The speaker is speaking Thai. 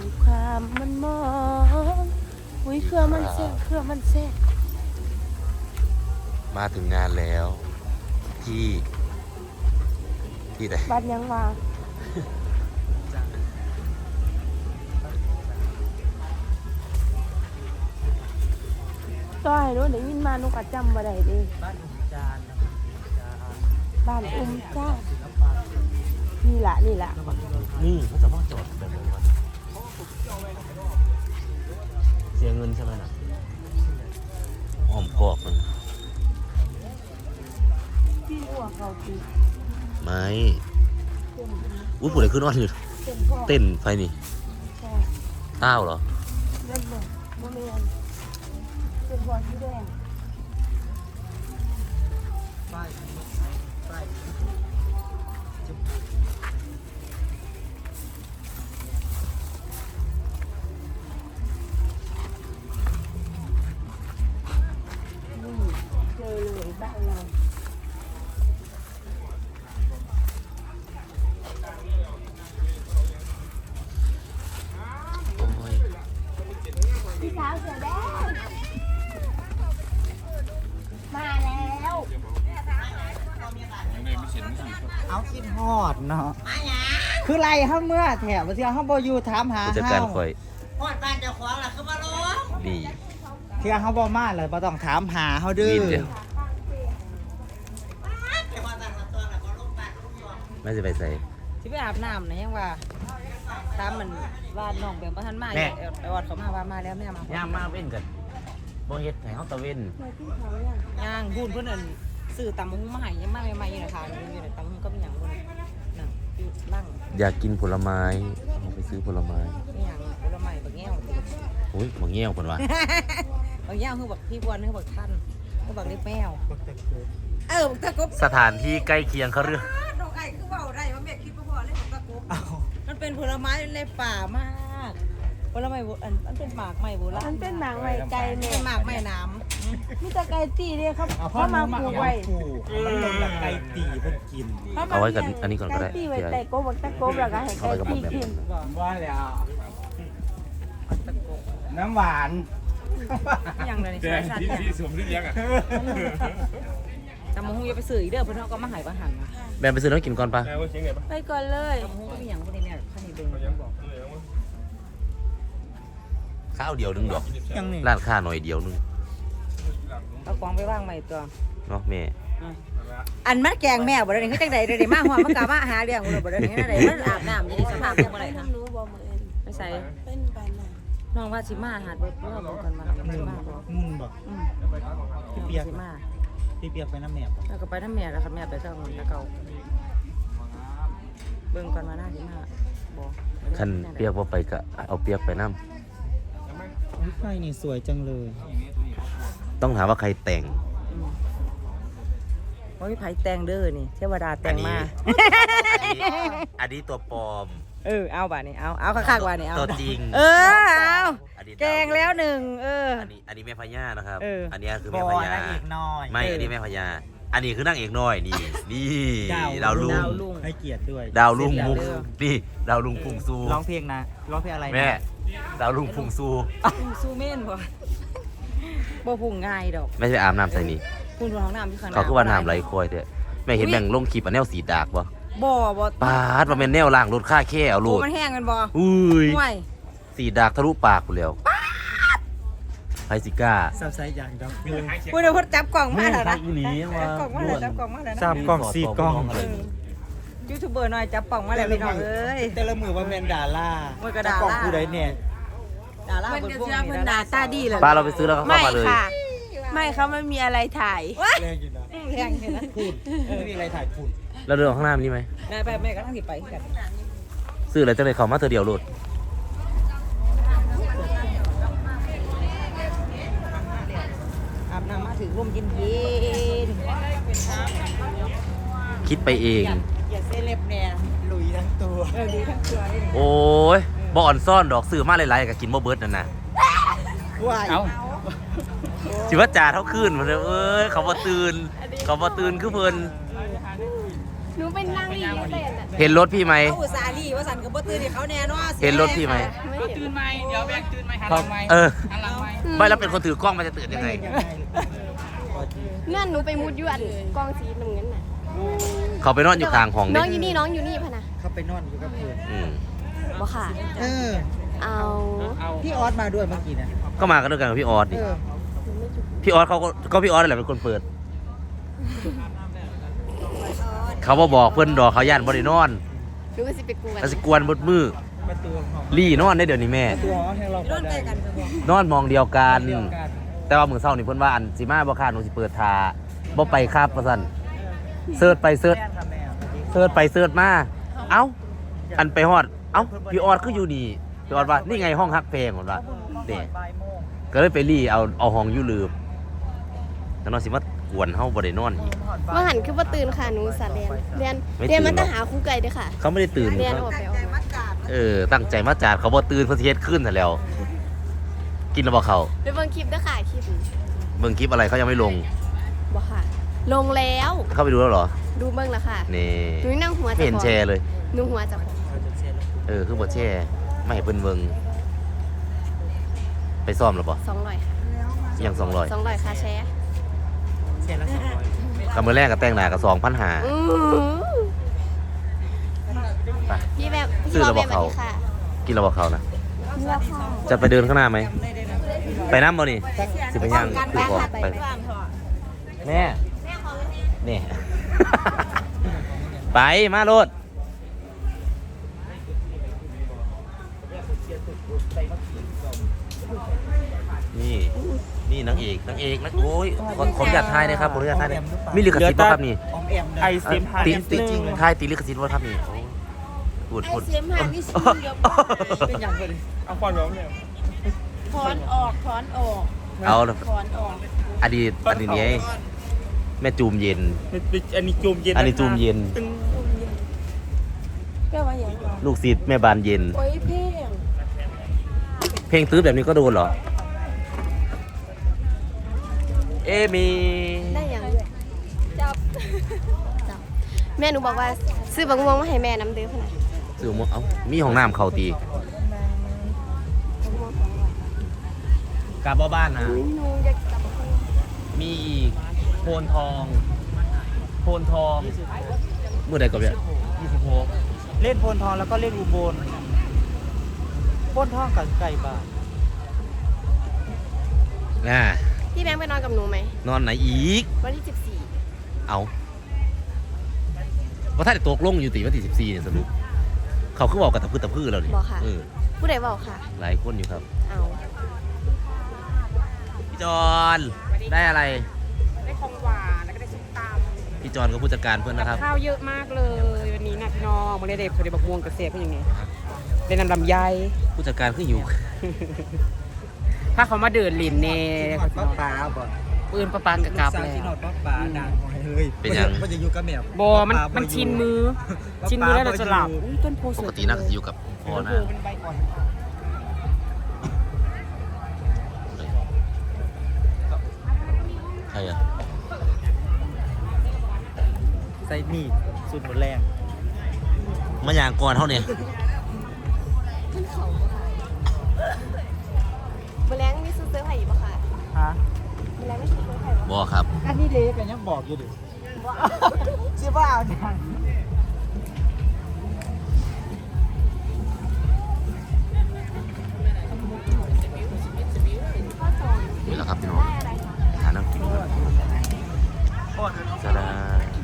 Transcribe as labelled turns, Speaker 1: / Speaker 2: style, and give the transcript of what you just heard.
Speaker 1: ความมันมองอุ้ยเครือมันแซ่บเครือมันแซ่บ
Speaker 2: มาถึงงานแล้วที่ไหน
Speaker 1: บ้านยังมาก็ให้รู้เดี๋ยวยินมานุกจำบ่ได้ดิ
Speaker 3: บ้านอุ้มจาน
Speaker 1: บ้านอุ้มจ้านี่แหละ
Speaker 2: นี่เขาจะว่าจอดแบบนี้วะเสียเงินใช่ไหมน่ะหอมกรอบมัน
Speaker 1: พี่หัวเขาตี
Speaker 2: ไม่อุ้ยปวดอะไรขึ้นนอนอยู่เต้นไฟนี่ต้าวเหรอ
Speaker 1: เล่นเลยโมเมนเป็นหัวที่แดง
Speaker 3: ป้าย
Speaker 1: เจอเลยบ้านเราพี่สาวเสือแดงมาแล้ว
Speaker 3: เอาคิดฮอดเนาะคือไรเฮาเมื่อแถวเที่ยวเฮาบ่อยู่ถามหา
Speaker 2: จัดการคอย
Speaker 4: ฮอดบ้านเจ้าของล่ะคือบ่รู้
Speaker 2: ดี
Speaker 3: เที่ยวเฮาบ่มาเลยบ่ต้องถามหาเฮาดื้อ
Speaker 2: ไม่จะไปใส่
Speaker 4: ที่ไปอาบน้ำนะยังว่าตามมันว่าน้องแบบว่าท่านมาไอ้วัดเขามาว่ามาแล้วแม่มา
Speaker 2: ย่างมาเว้นกันบ่เฮ็ดให้เฮาตะเว้น
Speaker 4: ย่างพูดเพิ่นนั่นซื้อตำหุ้งมาให้ยังมาใหม่ๆอยู่นะคะอยู่ในตำหุ้งก็มีหยังบ่นั่งอยู่นั่ง
Speaker 2: อยากกินผลไม้เอาไปซื้อผลไม้
Speaker 4: มีหยังผลไม้บักแง้ว
Speaker 2: อุ้ยบักแง้วเพิ่นว่า
Speaker 4: บักแง้วคือบักพี่บวนคือบักท่านคือบักเล็บแมวบักตะกบ
Speaker 2: สถานที่ใกล้เคียงเขาเรื่อง
Speaker 4: ดอกไก่คือเว้าได้ว่าแม่คิดบ่พอเลยบักตะกบมันเป็นผลไม้ในป่ามากผลไม้มันเป็นหมากไม้โบราณ
Speaker 1: มันเป็นหมากไม้ไก่เนี่ย
Speaker 4: หมากไม้น้ำ
Speaker 1: มีแต่ไก่ตีเนี่ยเขามาปลูกไว้
Speaker 3: มันลงแบบไก่ตีเพิ่นกิน
Speaker 2: เอาไว้กันอันนี้ก่อนก็ได้
Speaker 1: ไก่ตีไว้ไก่โกบตะโกบแล้วก็ให้ไก่ตีกิน
Speaker 3: ว่าแล้วน้ำหวาน
Speaker 4: อย่างไรนี่ใช่
Speaker 5: ที่สวมที่เลี้ยงอ่ะ
Speaker 4: แต่มะฮุงอย่าไปซื้ออีกเด้อเพิ่นเฮาก็มาหายบางหันนะ
Speaker 2: แม่ไปซื้อน้ำกินก่อนปะ
Speaker 1: ไปก่อนเลย
Speaker 4: มะฮุงก็มีหยังบ่ได้แม่คันนี้เบิ่ง
Speaker 2: ข้าวเดียวนึงดอกร้านค้าหน่อยเดียวนึง
Speaker 4: เอาของไปวางใหม่ตัว
Speaker 2: เนาะแม่
Speaker 4: อันมันแกงแม่บ่ได้คือจังได๋ได้มาฮอดมันกะมาหาเรื่องบ่ได้ได้มันอาบน้ำอยู่ในสภาพจังบ่ได้ค่ะ
Speaker 1: รู้บ่มื้ออื่น
Speaker 4: ไม่ใส่
Speaker 1: เป็นปานน่ะ
Speaker 4: น้องว่าสิมาหาเบิ่งบ่กันมาสิมาบ่
Speaker 3: มุ่นบ่
Speaker 4: พี่เปียกมา
Speaker 3: พี่เปียกไปน้ำแม่บ่
Speaker 4: แล้วก็ไปน้ำแม่แล้วค่ะแม่ไปทางแล้วเก่าเบิ่งก่อนมาหน้าสิมาบ่
Speaker 2: คันเปียกบ่ไปก็เอาเปียกไปนำ
Speaker 3: ไฟนี่สวยจังเลย
Speaker 2: ต้องถามว่าใครแต่ง
Speaker 4: โอ้ยไผแต่งเด้อนี่เทวดาแต่งมา
Speaker 2: อันนี้ตัวปลอม
Speaker 4: เอาบ่านี่เอาคักๆว่านี่เอา
Speaker 2: ตัวจริง
Speaker 4: เอาแกงแล้วหนึ่ง
Speaker 2: อันนี้แม่พญานะครับอันนี้คือ
Speaker 3: แม่พญาอีกน้อย
Speaker 2: ไม่อันนี้แม่พญาอันนี้คือนางเอกน้อยนี่ดาวลุง
Speaker 3: ให้เกียรติด้วย
Speaker 2: ดาวลุงมุกนี่ดาวลุงพุงซู
Speaker 3: ร้องเพลงนะร้องเพลงอะไร
Speaker 2: แม่ดาวลุงพุงซู
Speaker 4: เม่นบ่พุงง่ายดอก
Speaker 2: ไม่ใช่อาบน้ำใส่นี่
Speaker 4: พุงของน้ำที่ข้างหน้า
Speaker 2: เขาคือว่าน้ำไหลคอยเถอะแม่เห็นแบ่งลงคลิปอันแนวสีดากบ่ปาดว่าเป็นแนวล่างรถค่าแค่เอาลูก
Speaker 4: มันแห้งกันบ่
Speaker 2: อุ้ยสีดากทะลุปากกูแล้วไพซิก้า
Speaker 3: ซับไซด์อย่างดอก
Speaker 4: พูดเดี๋ยวพูดจับกล่องมาแล้วนะ
Speaker 3: จับกล่องมาแล้วจับกล่องสีกล่อง
Speaker 4: ยูทูบเบอร์หน่อยจับกล่องมาแล้วพี่น้องเอ้ย
Speaker 3: แต่ละมือว่าแมนดาล่า
Speaker 4: จับ
Speaker 3: กล่องกูได้เนี่ย
Speaker 4: ดาล่า
Speaker 1: มันจะเชื่อเพิ่นหน้าตาดีเลย
Speaker 2: ป้าเราไปซื้อแล้วก็เข้ามาเลย
Speaker 1: ไม่เขาไม่มีอะไรถ่าย
Speaker 3: แรงอยู่นะ
Speaker 4: แรงอยู่นะ
Speaker 3: พูดไม่มีอะไรถ่ายพูด
Speaker 2: แล้วเดินข้างหน้านี่ไหม
Speaker 4: ไปแม่ก็ต้องสิไปกัน
Speaker 2: ซื้ออะไรจะเลยเขามาเธอเดียวโหลด
Speaker 4: อาบน้ำมาถึงร่มเย็น
Speaker 2: คิดไปเอง
Speaker 4: อย่าเซเลบแน่
Speaker 3: ลุยทั้งตัว
Speaker 4: ลุยทั้งตัว
Speaker 2: โอ้ยบ่อนซ่อนดอกซื้อมาหลายๆกับกินบ่เบิร์ดนั่นนะ
Speaker 3: เอา
Speaker 2: สิว่าจ่าเท่าคืนมาเลยเขาบ่ตื่นคือเพิ่น
Speaker 1: หนูเป็นนางเอก
Speaker 2: เห็นรถพี่ไหม
Speaker 4: เขาอุตส่าห์รีว่าสันกับบ่ตื่นเขาแน่นอน
Speaker 2: เห็นรถพี่ไหม
Speaker 5: ตื่นไหมเดี๋ยวแบกตื่นไหมหันหลังไหม
Speaker 2: เออ
Speaker 5: หันหลังไหม
Speaker 2: ไม่แล้วเป็นคนถือกล้องมันจะตื่นยังไง
Speaker 1: เงื่อนหนูไปมุดยวนกองสีน้ำเงินน่ะ
Speaker 2: เขาไปนอนอยู่กลางห้อง
Speaker 1: น้
Speaker 2: เนี่
Speaker 1: องอยู่นี่น้องอยู่นี่พะนะ
Speaker 3: เขาไปนอนอยู่กับเพื่อน
Speaker 1: บ่ค่ะ
Speaker 3: เออ
Speaker 1: เอา
Speaker 3: พี่ออสมาด้วยเมื่อกี้นะ
Speaker 2: ก็มากันด้วยกันกับพี่ออสดิ
Speaker 3: เออ
Speaker 2: พี่ออสเขาก็พี่ออสนั่นแหละเป็นคนเปิด เขาบอกเพื่อนดอกเขาย่านบริโนอน
Speaker 1: หนูก็สิไปกวน
Speaker 2: แล้วสิกวนบดมือ
Speaker 3: ประตูของ
Speaker 2: ลี่นอนได้เดี๋ยวนี้แม่
Speaker 3: ประตูของให้เรา
Speaker 4: โดนใจกันจะบอก
Speaker 2: นอนมองเดียวกัน
Speaker 3: เดียวกัน
Speaker 2: แต่ว่ามือเศร้านี่เพิ่นว่าอันสิมาบ่ค่าหนูสิเปิดทาบ่ไปครับว่าซั่นเสิร์ชไปเสิร์ช
Speaker 3: แม่ค่ะแม่
Speaker 2: เสิร์ชไปเสิร์ชมาเอ้าอันไปฮอดเอ้าพี่ออสคืออยู่นี่พี่ออสว่านี่ไงห้องฮักเพลงผมว่าเด้
Speaker 3: บ่ายโมง
Speaker 2: ก็เลยไปลี่เอาห้องอยู่ลืมแล้วนอนสิมากวนเฮาบ่ได้นอนอีก
Speaker 1: ว่าหันคือว่าตื่นค่ะหนูสาเรียนเรียน
Speaker 2: ไม่ตื่น
Speaker 1: เรียนมันจะหาครูไก่ด้วยค่ะ
Speaker 2: เขาไม่ได้ตื่น
Speaker 1: เรียน
Speaker 2: เขา
Speaker 1: ออกไปอ
Speaker 4: ใจ
Speaker 1: อก
Speaker 4: มั
Speaker 1: มา
Speaker 4: ดกาด
Speaker 2: ตั้งใจมาจาดเขาบ่ตื่นเพิ่นสิเฮ็ดขึ้นซะแล้ว กินแล้วบ่เขา
Speaker 1: ไปเบิ่งคลิปด้วยค่ะคลิป
Speaker 2: เบิ่งคลิปอะไรเขายังไม่ลง
Speaker 1: บ่ค่ะ ลงแล้ว
Speaker 2: เข้าไปดูแล้วเหรอ
Speaker 1: ดูเบิ่งแล้วค่ะ
Speaker 2: นี่
Speaker 1: หนูนั่งหัว
Speaker 2: ไม่
Speaker 1: จะ
Speaker 2: เห็นแชร์เลย
Speaker 1: หนูหัวจะพอ
Speaker 2: คือบ่แชร์ไม่ให้เพิ่นเบิ่งไปซ่อมแล้วบ่
Speaker 1: 200ค่ะ
Speaker 2: ยัง200
Speaker 1: 200ค่ะแชร์
Speaker 3: เสียละ200
Speaker 2: กำมือแรกก็แต่งหน้ากับ2,500
Speaker 1: อื้อหือ
Speaker 2: ไป
Speaker 1: พี่แบบ
Speaker 2: ซื้อแล้วบอกเขา
Speaker 1: สวัสดีค่ะ
Speaker 2: กินแล้วบ่เขานะ
Speaker 1: เลือกค่ะ
Speaker 2: จะไปเดินข้างหน้าไหม ไปน้ำบ่นี่สิไปย่าง
Speaker 4: กัน
Speaker 2: คือ
Speaker 4: บ้าน
Speaker 2: ของ
Speaker 4: ค่ะ
Speaker 2: ไป
Speaker 4: ไปบ้านเถอะ
Speaker 2: แม่นี่ ไปมาโลดนี่นี่นางเอกนักโอ้ยขออนุญาตทายนะครับขออนุญาตทายนะมีลิขสิทธิ์ป่ะครับนี่
Speaker 3: ออมแอมนะ
Speaker 5: ไอเสียมหา
Speaker 2: ติ
Speaker 5: นิด
Speaker 2: ติ
Speaker 5: นึง
Speaker 2: ทายติลิขสิทธิ์ว่าครับนี่พูด
Speaker 1: ไอเสียมหานี่ซื้อเดี๋ยวบ่
Speaker 3: เป็นอย่างไร
Speaker 5: เอาความร้องเนี่ย
Speaker 1: ถอนออกถอนออก
Speaker 2: เอา
Speaker 1: ถอนออก
Speaker 2: อดีตนี้แม่จูมเย็น
Speaker 5: อันนี้จูมเย็น
Speaker 2: อันนี้จูมเย็น
Speaker 5: ตึง
Speaker 1: แปลว่าอย่างไร
Speaker 2: ลูกศิษย์แม่บานเย็น
Speaker 1: โอ้ยเพ่ง
Speaker 2: เพลงตื้อแบบนี้ก็โดนเหรอ เอมี
Speaker 1: ได้อย่างด้วยจับแม่หนูบอกว่าซื้อบักม่วงมาให้แม่น้ำเด้อพะนะ
Speaker 2: สื่อมเอ้ามีห้องน้ำเขาตี
Speaker 1: บักม่วง200
Speaker 2: กลับบ้านนะ
Speaker 1: อุ๊ยหนูอยากจับบักม่วง
Speaker 2: มีอีกโพนทองเมื่อใดก็เนี่ย26
Speaker 3: เล่นโพนทองแล้วก็เล่นอุบลโพนทองกับไก่บ้าน
Speaker 1: พี่แบงค์ไปนอนกับหนูไหม
Speaker 2: นอนไหนอีก
Speaker 1: วันที่14
Speaker 2: เอาว่าถ้าได้ตกลงอยู่ตีวันที่14เนี่ยสรุปเขาคือบอกกับตะพื้นแล้วนี่
Speaker 1: บอกค่ะ
Speaker 2: เออ
Speaker 1: ผู้ใดบอกค่ะ
Speaker 2: หลายคนอยู่ครับ
Speaker 1: เอา
Speaker 2: พี่จอนได้อะไร
Speaker 5: ได้ของหวานแล้วก็ได้ซุปตำ
Speaker 2: พี่จอนก็ผู้จัดการเพื่อนนะครับ
Speaker 5: ข้าวเยอะมากเลยวันนี้นะพี่น้องมาได้เด็กเขาได้บักม่วงกระเสียบเป็นยังไงเป็นน้ำลำไย
Speaker 2: ผู้จัดการคือหิว
Speaker 5: ถ้าเขามาเดินลินเน่
Speaker 3: หอดป้าป๋าบ่
Speaker 5: ปืนประปานกับกลับ
Speaker 3: สาว
Speaker 5: แล้
Speaker 3: ที่หอ
Speaker 5: ว
Speaker 3: ดป้าป๋าดังเลย
Speaker 2: เป็นยัง
Speaker 3: มันจะอยู่กับแมว
Speaker 5: บอมันชินมือ ชินมือแล้วเราจะหลับอุ๊ยต้นโพส
Speaker 2: ป
Speaker 5: วย
Speaker 2: กติน่าจะอยู่กับพ่อนะ
Speaker 5: เป็นใบอ่อน
Speaker 2: ใครอ่ะ
Speaker 3: ใส่มีดสุดหมดแรง
Speaker 2: มาอย่างก่อนเท่าเนี่ย
Speaker 1: ขึ้นเขาบ่ค่ะแมลงมีซื้อเสื้อไผ่บ่ค่ะ
Speaker 3: ฮะ
Speaker 1: แมลงไม่ซื้อเสื้อไผ่บ่
Speaker 2: บอครับ
Speaker 3: อันนี้เล็กกันยังบอกอยู่ดิชื่อว่าเอาจัง
Speaker 2: นี่แหละครับพี่น้องหาน้ำกินก่อน
Speaker 3: โคตร
Speaker 2: จะได้